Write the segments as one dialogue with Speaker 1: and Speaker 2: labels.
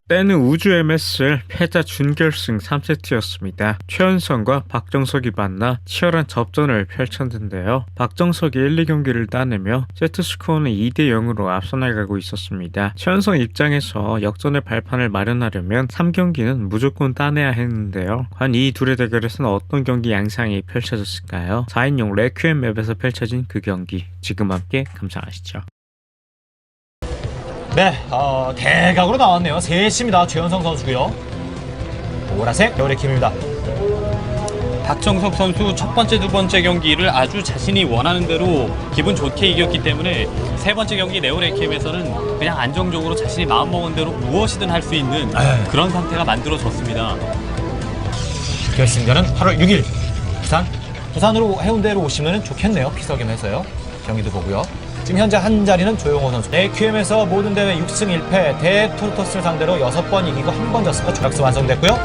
Speaker 1: 때는 우주 MSL 패자 준결승 3세트였습니다. 최연성과 박정석이 만나 치열한 접전을 펼쳤는데요. 박정석이 1, 2경기를 따내며 세트스코어는 2대0으로 앞서 나가고 있었습니다. 최연성 입장에서 역전의 발판을 마련하려면 3경기는 무조건 따내야 했는데요. 과연 이 둘의 대결에서는 어떤 경기 양상이 펼쳐졌을까요? 4인용 레퀴엠 맵에서 펼쳐진 그 경기 지금 함께 감상하시죠.
Speaker 2: 네, 대각으로 나왔네요. 셋입니다. 최연성 선수고요. 보라색 여우레킴입니다.
Speaker 3: 박정석 선수 첫 번째, 두 번째 경기를 아주 자신이 원하는 대로 기분 좋게 이겼기 때문에 세 번째 경기 네오레이캠에서는 그냥 안정적으로 자신이 마음먹은 대로 무엇이든 할 수 있는 그런 상태가 만들어졌습니다.
Speaker 2: 결승전은 8월 6일 부산으로 해운대로 오시면 좋겠네요. 피서겸해서요. 경기도 보고요. 지금 현재 한 자리는 조용호 선수. AQM에서 모든 대회 6승 1패 대토르토스를 상대로 6번 이기고 1번 졌습니다. 조각수 완성됐고요.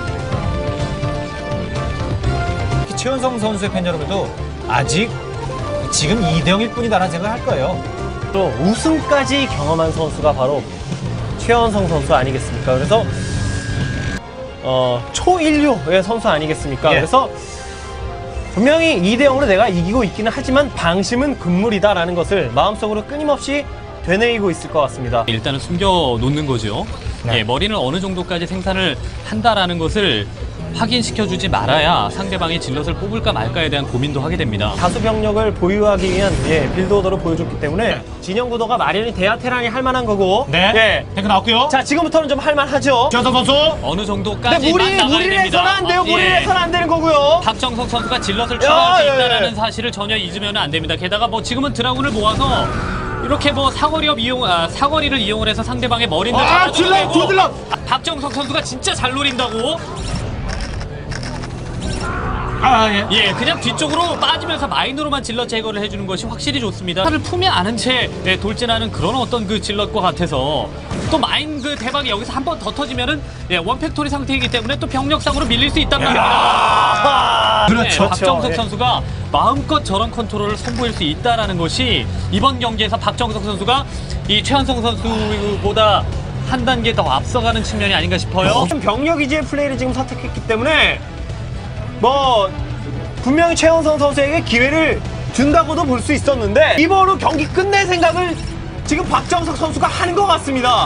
Speaker 2: 최연성 선수의 팬 여러분도 아직 지금 2대0일 뿐이다라는 생각을 할 거예요.
Speaker 4: 또 우승까지 경험한 선수가 바로 최연성 선수 아니겠습니까? 그래서 초인류의 선수 아니겠습니까?
Speaker 2: 예.
Speaker 4: 그래서 분명히 2대0으로 내가 이기고 있기는 하지만 방심은 금물이다라는 것을 마음속으로 끊임없이 되뇌이고 있을 것 같습니다.
Speaker 3: 일단은 숨겨놓는 거죠.
Speaker 2: 네.
Speaker 3: 예, 머리는 어느 정도까지 생산을 한다라는 것을 확인시켜주지 말아야 상대방이 질럿을 뽑을까 말까에 대한 고민도 하게 됩니다.
Speaker 4: 다수 병력을 보유하기 위한 빌드 오더를 보여줬기 때문에 진영 구도가 마련이 돼야 테란이 할 만한 거고.
Speaker 2: 네, 탱크 나왔고요.
Speaker 4: 자, 지금부터는 좀 할 만하죠.
Speaker 2: 최연성 선수.
Speaker 3: 어느 정도까지
Speaker 4: 근데 무리를 해서는 안 돼요. 무리를 해서는 안 되는 거고요.
Speaker 3: 박정석 선수가 질럿을 추가할 수
Speaker 4: 예.
Speaker 3: 있다는 사실을 전혀 잊으면 안 됩니다. 게다가 뭐 지금은 드라군을 모아서 이렇게 뭐 사거리를 이용을 해서 상대방의 머리를
Speaker 2: 질럿, 두 질럿.
Speaker 3: 박정석 선수가 진짜 잘 노린다고. 예, 그냥 뒤쪽으로 빠지면서 마인으로만 질럿 제거를 해주는 것이 확실히 좋습니다. 차를 품에 안은 채 돌진하는 그런 어떤 그 질럿과 같아서 또 마인 그 대박이 여기서 한 번 더 터지면은 원팩토리 상태이기 때문에 또 병력상으로 밀릴 수 있단 말입니다.
Speaker 2: 그렇죠.
Speaker 3: 박정석
Speaker 4: 예.
Speaker 3: 선수가 마음껏 저런 컨트롤을 선보일 수 있다라는 것이 이번 경기에서 박정석 선수가 이 최연성 선수보다 한 단계 더 앞서가는 측면이 아닌가 싶어요.
Speaker 4: 병력 위주의 플레이를 지금 선택했기 때문에 뭐 분명히 최연성 선수에게 기회를 준다고도 볼 수 있었는데 이번으로 경기 끝낼 생각을 지금 박정석 선수가 하는 것 같습니다.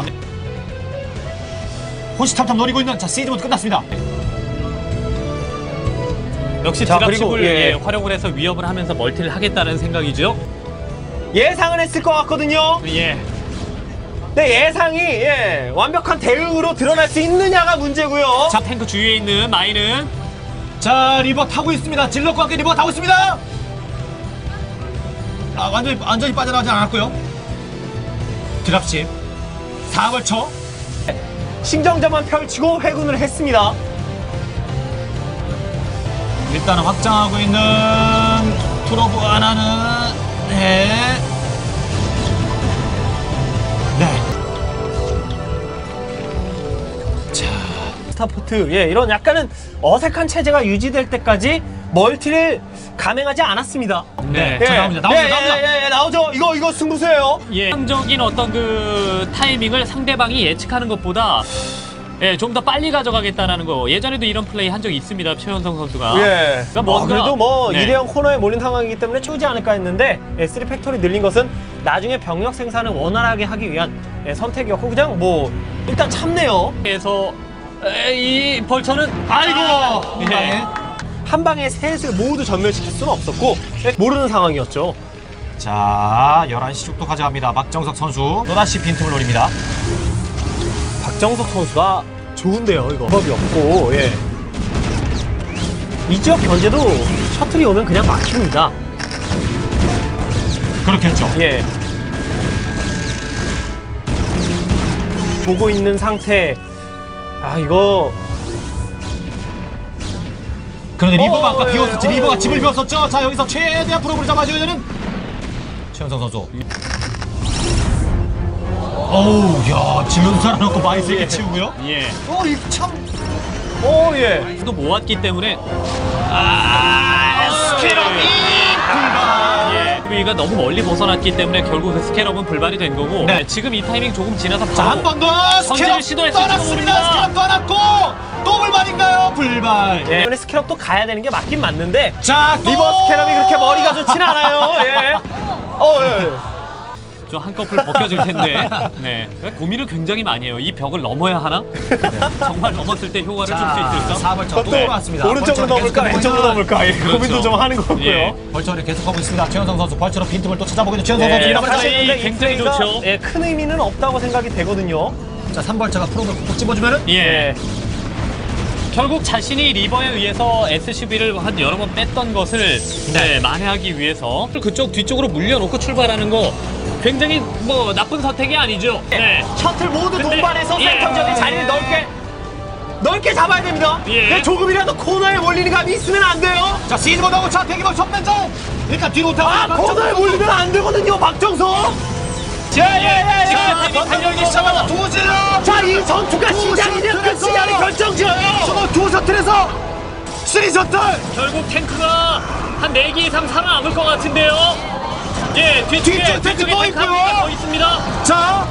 Speaker 2: 호시탐탐 노리고 있는 시즌부터 끝났습니다.
Speaker 3: 역시
Speaker 4: 자,
Speaker 3: 드랍십을
Speaker 4: 그리고,
Speaker 3: 활용을 해서 위협을 하면서 멀티를 하겠다는 생각이죠.
Speaker 4: 예상은 했을 것 같거든요.
Speaker 3: 예.
Speaker 4: 근데 예상이 완벽한 대응으로 드러날 수 있느냐가 문제고요.
Speaker 3: 자, 탱크 주위에 있는 마인은
Speaker 2: 자, 리버 타고 있습니다. 질럿과 함께 리버가 타고 있습니다. 완전히 빠져나가지 않았고요. 드랍십 4벌쳐
Speaker 4: 신경자만 펼치고 회군을 했습니다.
Speaker 2: 일단은 확장하고 있는 프로브 하나는 네.
Speaker 4: 스타포트 이런 약간은 어색한 체제가 유지될 때까지 멀티를 감행하지 않았습니다.
Speaker 3: 네.
Speaker 2: 자, 나옵니다.
Speaker 4: 나오죠. 이거 승부수예요.
Speaker 3: 예상적인 어떤 그 타이밍을 상대방이 예측하는 것보다 좀 더 빨리 가져가겠다라는 거. 예전에도 이런 플레이 한 적이 있습니다. 최연성 선수가. 그러니까 뭔가
Speaker 4: 그래도 뭐
Speaker 3: 네.
Speaker 4: 2대0 코너에 몰린 상황이기 때문에 치우지 않을까 했는데 3팩토리 늘린 것은 나중에 병력 생산을 원활하게 하기 위한 선택이었고 그냥 뭐 일단 참네요.
Speaker 3: 그래서 이 벌처는
Speaker 4: 한 방에 셋을 모두 전멸시킬 수는 없었고 모르는 상황이었죠.
Speaker 2: 자, 11시 쪽도 가져갑니다. 박정석 선수 또다시 빈틈을 노립니다.
Speaker 4: 박정석 선수가 좋은데요. 이거 법이 없고 이 지역 견제도 셔틀이 오면 그냥 막힙니다.
Speaker 2: 그렇겠죠.
Speaker 4: 보고 있는 상태. 이거
Speaker 2: 그런데 리버가 아까 비웠었지. 리버가 집을 비웠었죠. 자, 여기서 최대한 프로브를 잡아줘야 되는 최연성 선수. 어우, 야, 지금 살아놓고 많이 세게 치우고요. 참.
Speaker 3: 또 모았기 때문에
Speaker 2: 스킬업이 불가.
Speaker 3: SCV가 너무 멀리 벗어났기 때문에 결국 그 스캐럽은 불발이 된 거고
Speaker 2: 네.
Speaker 3: 지금 이 타이밍 조금 지나서
Speaker 2: 자, 한 번 더 스캐럽
Speaker 3: 시도했을지도
Speaker 2: 떠났습니다.
Speaker 3: 모릅니다.
Speaker 2: 스캐럽 떠났고 또 불발인가요? 불발.
Speaker 4: 예. 이번에 스캐럽도 가야 되는 게 맞긴 맞는데
Speaker 2: 자, 또!
Speaker 4: 리버 스캐럽이 그렇게 머리가 좋진 않아요. 예. 예.
Speaker 3: 좀 한꺼풀 벗겨질 텐데 네. 고민을 굉장히 많이 해요. 이 벽을 넘어야 하나? 네. 정말 넘었을 때 효과를 줄 수 있을까?
Speaker 2: 4벌처 또
Speaker 4: 또
Speaker 2: 들어왔습니다.
Speaker 4: 오른쪽으로 넘을까 왼쪽으로 넘을까 고민도 좀 하는 거고요.
Speaker 3: 예.
Speaker 2: 벌처를 계속하고 있습니다. 최현성 선수 벌처로 빈틈을 또 찾아보고 있는 최현성 선수.
Speaker 3: 예,
Speaker 2: 이러면 다시.
Speaker 3: 플레이 굉장히 좋죠.
Speaker 4: 예, 큰 의미는 없다고 생각이 되거든요.
Speaker 2: 자, 3벌처가 프로를 콕 집어주면은
Speaker 3: 예. 결국 자신이 리버에 의해서 SCV를 한 여러 번 뺐던 것을 네, 만회하기 위해서 그쪽 뒤쪽으로 물려놓고 출발하는 거 굉장히 뭐 나쁜 선택이 아니죠. 네.
Speaker 4: 셔틀 모두
Speaker 3: 근데,
Speaker 4: 동반해서
Speaker 3: 예.
Speaker 4: 센터적인 자리를 넓게 잡아야 됩니다.
Speaker 3: 예.
Speaker 4: 근데 조금이라도 코너에 몰리는 감이 있으면 안 돼요.
Speaker 2: 자, 시즈 못하고 자, 대기볼 전면전. 일단 뒤로 오타고.
Speaker 4: 아, 코너에 몰리면 안 되거든요, 박정석.
Speaker 3: 지금
Speaker 2: 던열기 시작하다 두 질러.
Speaker 4: 자, 이 전투가 시작이 되면 그 시간이 결정지어요.
Speaker 2: 저거 두 셔틀에서 3 셔틀.
Speaker 3: 결국 탱크가 한 4개 이상 살아남을 것 같은데요. 예, 뒤쪽에
Speaker 2: 뒤쪽 탱크 또
Speaker 3: 탱크
Speaker 2: 있고요.
Speaker 3: 하나가 더 있습니다.
Speaker 2: 자,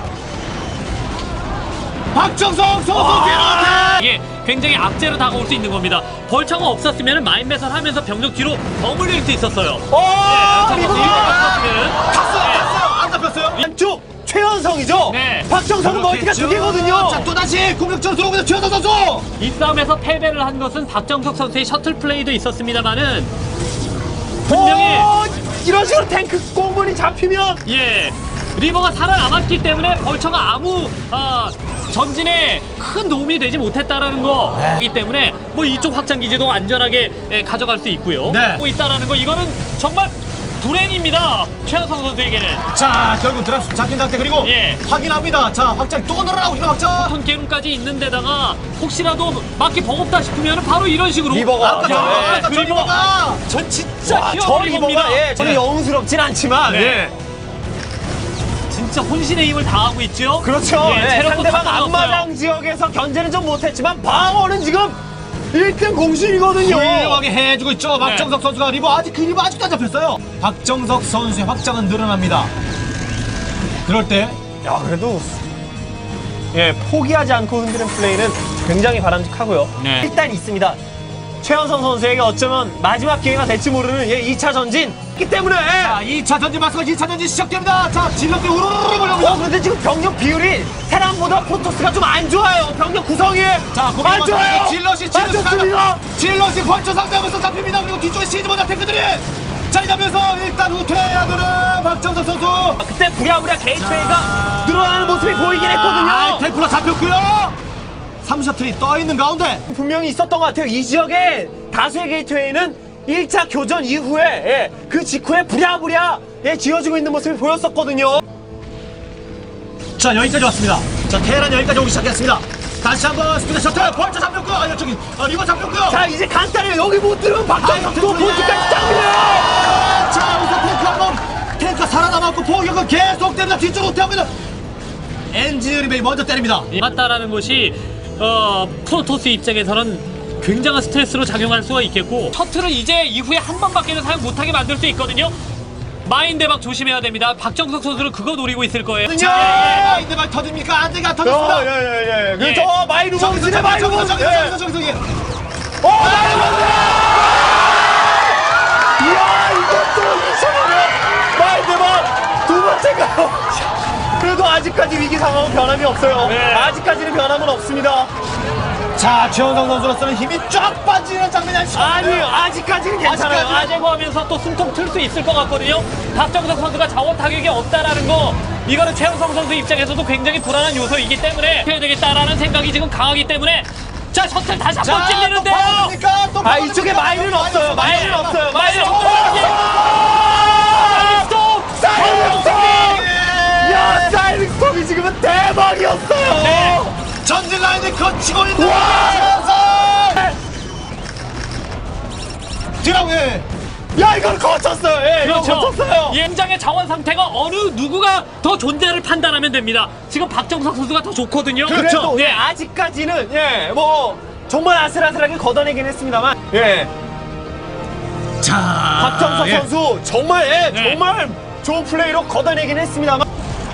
Speaker 2: 박정석 선수 뒤로.
Speaker 3: 이게 굉장히 악재로 다가올 수 있는 겁니다. 벌처가 없었으면 마인 매설하면서 병력 뒤로 버물릴 수 있었어요.
Speaker 4: 리버
Speaker 2: 갔어요. 안 잡혔어요.
Speaker 4: 왼쪽 최현성이죠.
Speaker 3: 네.
Speaker 4: 박정석은 멀티가 두 개거든요.
Speaker 2: 자, 또 다시 공격적으로 들어오고 있는 최현성 선수.
Speaker 3: 이 싸움에서 패배를 한 것은 박정석 선수의 셔틀 플레이도 있었습니다만은 분명히
Speaker 4: 이런 식으로 탱크 공군이 잡히면
Speaker 3: 예 리버가 살아남았기 때문에 벌처가 아무 전진에 큰 도움이 되지 못했다라는 거이기 때문에 뭐 이쪽 확장 기지도 안전하게 가져갈 수 있고요.
Speaker 2: 네.
Speaker 3: 하고 있다라는 거 이거는 정말 불행입니다. 최현성 선수에게는.
Speaker 2: 자, 결국 드랍 잡힌 상태 그리고
Speaker 3: 예.
Speaker 2: 확인합니다. 자, 확장 또 늘어나고 있는 확장.
Speaker 3: 톤 게임까지 있는 데다가 혹시라도 맞기 버겁다 싶으면 바로 이런 식으로
Speaker 4: 리버가
Speaker 2: 아까 저
Speaker 3: 야,
Speaker 2: 아까 저
Speaker 3: 리버
Speaker 2: 리버가.
Speaker 3: 전 진짜
Speaker 4: 와, 저
Speaker 3: 키워버린 겁니다.
Speaker 4: 리버가 예, 저는 영웅스럽진 않지만
Speaker 3: 네.
Speaker 4: 예.
Speaker 3: 진짜 혼신의 힘을 다하고 있죠.
Speaker 4: 그렇죠.
Speaker 3: 예,
Speaker 4: 예,
Speaker 3: 체력도
Speaker 4: 상대방
Speaker 3: 다
Speaker 4: 앞마당
Speaker 3: 떨어졌어요.
Speaker 4: 지역에서 견제는 좀 못했지만 방어는 지금 1등 공신이거든요.
Speaker 2: 훌륭하게 해주고 있죠. 박정석 선수가 리버 아직 그 리버 아직도 안 잡혔어요. 박정석 선수의 확장은 늘어납니다. 그럴 때
Speaker 4: 야, 그래도 예, 포기하지 않고 흔드는 플레이는 굉장히 바람직하고요.
Speaker 3: 네.
Speaker 4: 일단 있습니다. 최현성 선수에게 어쩌면 마지막 기회가 될지 모르는 예, 2차 전진 있기 때문에
Speaker 2: 자, 2차 전진 맞서 2차 전진 시작됩니다. 자, 질럿이 우르르 몰려옵니다.
Speaker 4: 그런데 지금 병력 비율이 테란보다 프로토스가 좀 안 좋아요. 병력 구성이
Speaker 2: 자,
Speaker 4: 안 좋아요.
Speaker 2: 질럿이
Speaker 4: 안 좋습니다.
Speaker 2: 질럿이 벌쳐 상대하면서 잡힙니다. 그리고 뒤쪽에 시즈모자 탱크들이 자리 잡면서 일단 후퇴하는 박정석 선수.
Speaker 4: 그때 부랴부랴 게이트웨이가 늘어나는 모습이 보이긴 했거든요.
Speaker 2: 템플러 잡혔고요. 3셔틀이 떠있는 가운데
Speaker 4: 분명히 있었던 것 같아요. 이 지역에 다수의 게이트웨이는 1차 교전 이후에 예, 그 직후에 부랴부랴 예, 지어지고 있는 모습이 보였었거든요.
Speaker 2: 자, 여기까지 왔습니다. 자, 테란 여기까지 오기 시작했습니다. 다시 한번 스피드 셔틀 벌쳐 잡혔고요. 아, 저기 리버 잡혔고요.
Speaker 4: 자, 이제 간단해요. 여기 못 들으면 박정석도 본주까지 잡히네요.
Speaker 2: 자, 우선 탱크 한번 탱크가 살아남았고 포격은 계속됩니다. 뒤쪽으로 후퇴합니다. 엔지니어링이 먼저 때립니다.
Speaker 3: 맞다라는 것이 프로토스 입장에서는 굉장한 스트레스로 작용할 수가 있겠고 셔틀은 이제 이후에 한 번밖에는 사용 못하게 만들 수 있거든요. 마인 대박 조심해야 됩니다. 박정석 선수는 그거 노리고 있을 거예요.
Speaker 2: 자, 이제 말 터집니까? 안 되가 터졌습니다.
Speaker 4: 예.
Speaker 3: 예.
Speaker 4: 저 마이루 범진의 마이루 범진.
Speaker 2: 저기.
Speaker 4: 마이루 범진. 이야, 이것도 2차전에 마이 대박 두 번째가요. 그래도 아직까지 위기 상황은 변함이 없어요.
Speaker 3: 네.
Speaker 4: 아직까지는 변함은 없습니다.
Speaker 2: 자, 최원성 선수로서는 힘이 쫙 빠지는 장면이
Speaker 4: 아니요, 아직까지는 괜찮아요.
Speaker 3: 아재고하면서 또 숨통 틀 수 있을 것 같거든요. 박정석 선수가 자원 타격이 없다라는 거 이거는 최현성 선수 입장에서도 굉장히 불안한 요소이기 때문에 해야 되겠다라는 생각이 지금 강하기 때문에 자 셔틀 다시 한 번 찔리는데요.
Speaker 4: 아, 이쪽에 마이는 없어요. 마이는 없어요. 마이는 사이렌스톰! 야, 사이렌스톰이 지금은 대박이었어요.
Speaker 3: 네.
Speaker 2: 전진 라인을 거치고 있는
Speaker 4: 와!
Speaker 2: 최원성. 드라우에
Speaker 4: 야, 이걸 거쳤어요. 예, 이거
Speaker 3: 그렇죠.
Speaker 4: 거쳤어요.
Speaker 3: 현장의 자원 상태가 어느 누구가 더 존재를 판단하면 됩니다. 지금 박정석 선수가 더 좋거든요.
Speaker 4: 그래도
Speaker 3: 네.
Speaker 4: 예, 아직까지는 예, 뭐 정말 아슬아슬하게 걷어내긴 했습니다만 예.
Speaker 2: 자,
Speaker 4: 박정석
Speaker 2: 예.
Speaker 4: 선수 정말
Speaker 3: 네.
Speaker 4: 정말 좋은 플레이로 걷어내긴 했습니다만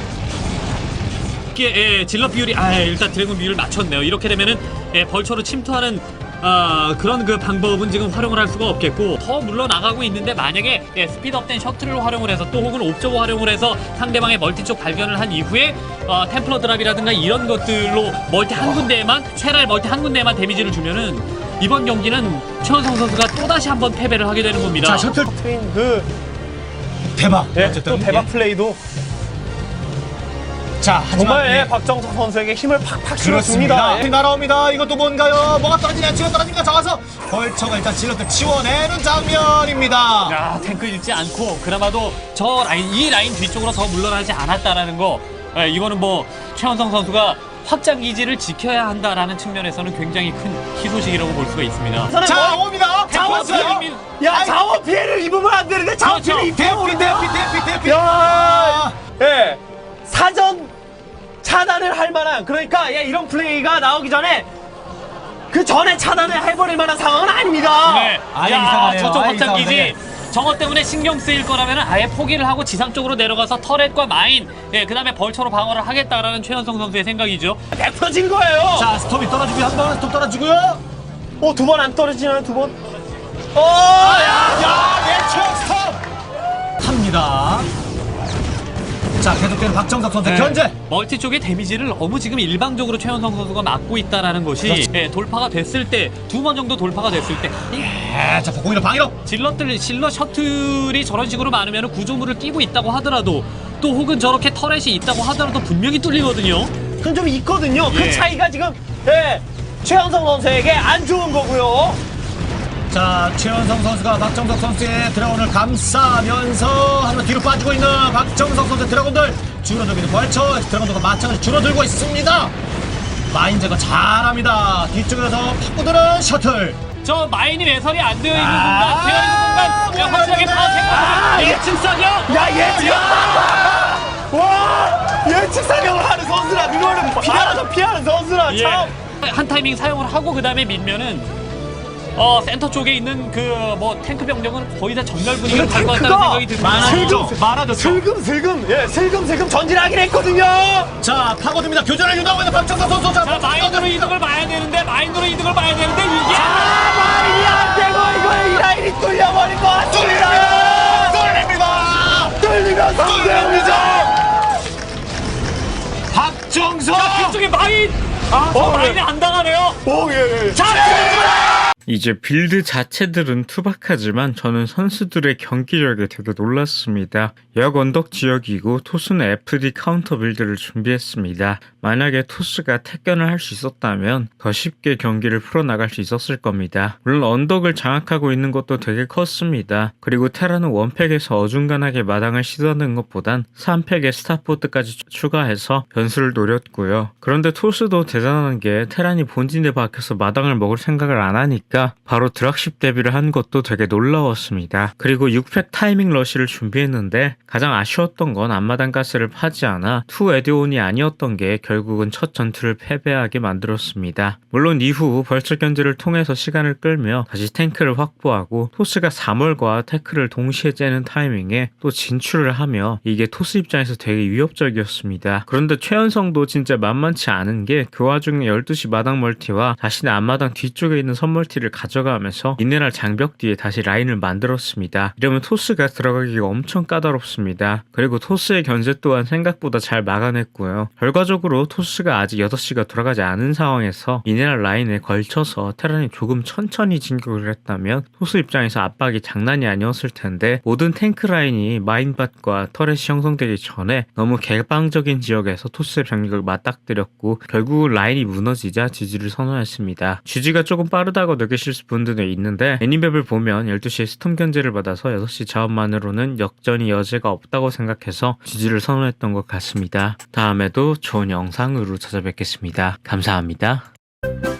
Speaker 3: 이게 질럿 비율이 일단 드래곤 비율을 맞췄네요. 이렇게 되면은 벌처로 침투하는 그런 그 방법은 지금 활용을 할 수가 없겠고 더 물러나가고 있는데 만약에 스피드업된 셔틀을 활용을 해서 또 혹은 옵저버 활용을 해서 상대방의 멀티 쪽 발견을 한 이후에 템플러 드랍이라든가 이런 것들로 멀티 한 군데에만 테랄 멀티 한 군데에만 데미지를 주면은 이번 경기는 최원성 선수가 또다시 한번 패배를 하게 되는 겁니다.
Speaker 2: 자, 셔틀
Speaker 4: 트윈 그
Speaker 2: 대박.
Speaker 4: 예,
Speaker 2: 어쨌든
Speaker 4: 또 대박
Speaker 2: 예.
Speaker 4: 플레이도
Speaker 2: 자, 하지만
Speaker 4: 정말
Speaker 2: 예.
Speaker 4: 박정석 선수에게 힘을 팍팍
Speaker 2: 그렇습니다.
Speaker 4: 실어줍니다.
Speaker 2: 예. 날아옵니다. 이것도 뭔가요? 뭐가 떨어지냐? 치고 떨어지니까 잡아서 벌처가 일단 질럿들 치워내는 장면입니다.
Speaker 3: 야, 탱크 잃지 않고 그나마도 이 라인 뒤쪽으로 더 물러나지 않았다라는 거 이거는 뭐 최원성 선수가 확장 기지를 지켜야 한다라는 측면에서는 굉장히 큰 희소식이라고 볼 수가 있습니다.
Speaker 2: 자, 옵니다.
Speaker 4: 자원
Speaker 2: 잡았어요.
Speaker 3: 피해.
Speaker 4: 야 자원 피해를 입으면 안 되는데 자원
Speaker 3: 그렇죠.
Speaker 4: 피해를
Speaker 2: 대피,
Speaker 4: 입으면
Speaker 2: 대피.
Speaker 4: 야, 예, 사전 차단을 할 만한 그러니까 예, 이런 플레이가 나오기 전에 그 전에 차단을 해버릴 만한 상황은 아닙니다.
Speaker 3: 네.
Speaker 2: 아예
Speaker 3: 야,
Speaker 2: 이상하네요.
Speaker 3: 저쪽
Speaker 2: 아예
Speaker 3: 확장 기지
Speaker 2: 이상하네.
Speaker 3: 저것 때문에 신경 쓰일 거라면 아예 포기를 하고 지상 쪽으로 내려가서 터렛과 마인, 그다음에 벌처로 방어를 하겠다라는 최현성 선수의 생각이죠.
Speaker 4: 100%진 거예요.
Speaker 2: 자, 스톰이 떨어지고 한번 스톰 떨어지고요.
Speaker 4: 두 번 안 떨어지나요? 두 번?
Speaker 2: 야, 내추럴 스톰 합니다. 자, 계속되는 박정석 선수 견제.
Speaker 3: 멀티 쪽의 데미지를 너무 지금 일방적으로 최현성 선수가 막고 있다라는 것이 돌파가 됐을 때 두 번 정도 돌파가 됐을 때
Speaker 2: 예, 자, 공이로 방위로.
Speaker 3: 질럿 셔틀이 저런 식으로 많으면 구조물을 끼고 있다고 하더라도 또 혹은 저렇게 터렛이 있다고 하더라도 분명히 뚫리거든요.
Speaker 4: 그건 좀 있거든요.
Speaker 3: 예.
Speaker 4: 그 차이가 지금 예, 최현성 선수에게 안 좋은 거고요.
Speaker 2: 자, 최원성 선수가 박정석 선수의 드래곤을 감싸면서 하지만 뒤로 빠지고 있는 박정석 선수의 드래곤들 줄어들고 있는 벌처 드래곤들과 마찬가지 줄어들고 있습니다. 마인제가 잘합니다. 뒤쪽에서 파고드는 셔틀.
Speaker 3: 저 마인이 매설이 안 되어 있는
Speaker 2: 아,
Speaker 3: 순간, 되어 있는 순간 확실하게 파악했거든요. 예측 사격.
Speaker 4: 야 예측! 와 예측 사격을 하는 선수라 그거는 피하는 선수라
Speaker 3: 예.
Speaker 4: 참.
Speaker 3: 한 타이밍 사용을 하고 그 다음에 밀면은 센터 쪽에 있는 그 뭐 탱크 병력은 거의 다 전멸 분위기를 갈 것 같다는 생각이 듭니다.
Speaker 2: 많아졌죠.
Speaker 4: 슬금슬금 전진하긴 했거든요.
Speaker 2: 자, 파고듭니다. 교전을 유도하고 있는 박정석 선수.
Speaker 3: 자, 마인으로 이득을 봐야 되는데 이게
Speaker 4: 마인이 안 되고 이거 이 라인이 뚫려버릴 것 같습니다.
Speaker 2: 뚫립니다.
Speaker 4: 뚫리면 성공이죠.
Speaker 2: 박정석.
Speaker 3: 뒤쪽에 마인. 마인이 안 당하네요.
Speaker 4: 예.
Speaker 1: 이제 빌드 자체들은 투박하지만 저는 선수들의 경기력에 되게 놀랐습니다. 역 언덕 지역이고 토스는 FD 카운터 빌드를 준비했습니다. 만약에 토스가 택견을 할 수 있었다면 더 쉽게 경기를 풀어나갈 수 있었을 겁니다. 물론 언덕을 장악하고 있는 것도 되게 컸습니다. 그리고 테라는 원팩에서 어중간하게 마당을 시도하는 것보단 3팩에 스타포트까지 추가해서 변수를 노렸고요. 그런데 토스도 대단한 게 테란이 본진에 박혀서 마당을 먹을 생각을 안 하니까 바로 드락십 대비를 한 것도 되게 놀라웠습니다. 그리고 6팩 타이밍 러시를 준비했는데 가장 아쉬웠던 건 앞마당 가스를 파지 않아 투 에드온이 아니었던 게 결국은 첫 전투를 패배하게 만들었습니다. 물론 이후 벌처 견제를 통해서 시간을 끌며 다시 탱크를 확보하고 토스가 3월과 태클을 동시에 째는 타이밍에 또 진출을 하며 이게 토스 입장에서 되게 위협적이었습니다. 그런데 최연성도 진짜 만만치 않은 게 그 와중에 12시 마당 멀티와 자신의 앞마당 뒤쪽에 있는 선멀티를 가져가면서 미네랄 장벽 뒤에 다시 라인을 만들었습니다. 이러면 토스가 들어가기가 엄청 까다롭습니다. 그리고 토스의 견제 또한 생각보다 잘 막아냈고요. 결과적으로 토스가 아직 6시가 돌아가지 않은 상황에서 미네랄 라인에 걸쳐서 테란이 조금 천천히 진격을 했다면 토스 입장에서 압박이 장난이 아니었을 텐데 모든 탱크 라인이 마인밭과 터렛이 형성되기 전에 너무 개방적인 지역에서 토스의 병력을 맞닥뜨렸고 결국 라인이 무너지자 지지를 선언했습니다. GG가 조금 빠르다고 느끼실 분들도 있는데 애니맵을 보면 12시에 스톰 견제를 받아서 6시 자원만으로는 역전이 여지가 없다고 생각해서 지지를 선언했던 것 같습니다. 다음에도 좋은 영상으로 찾아뵙겠습니다. 감사합니다.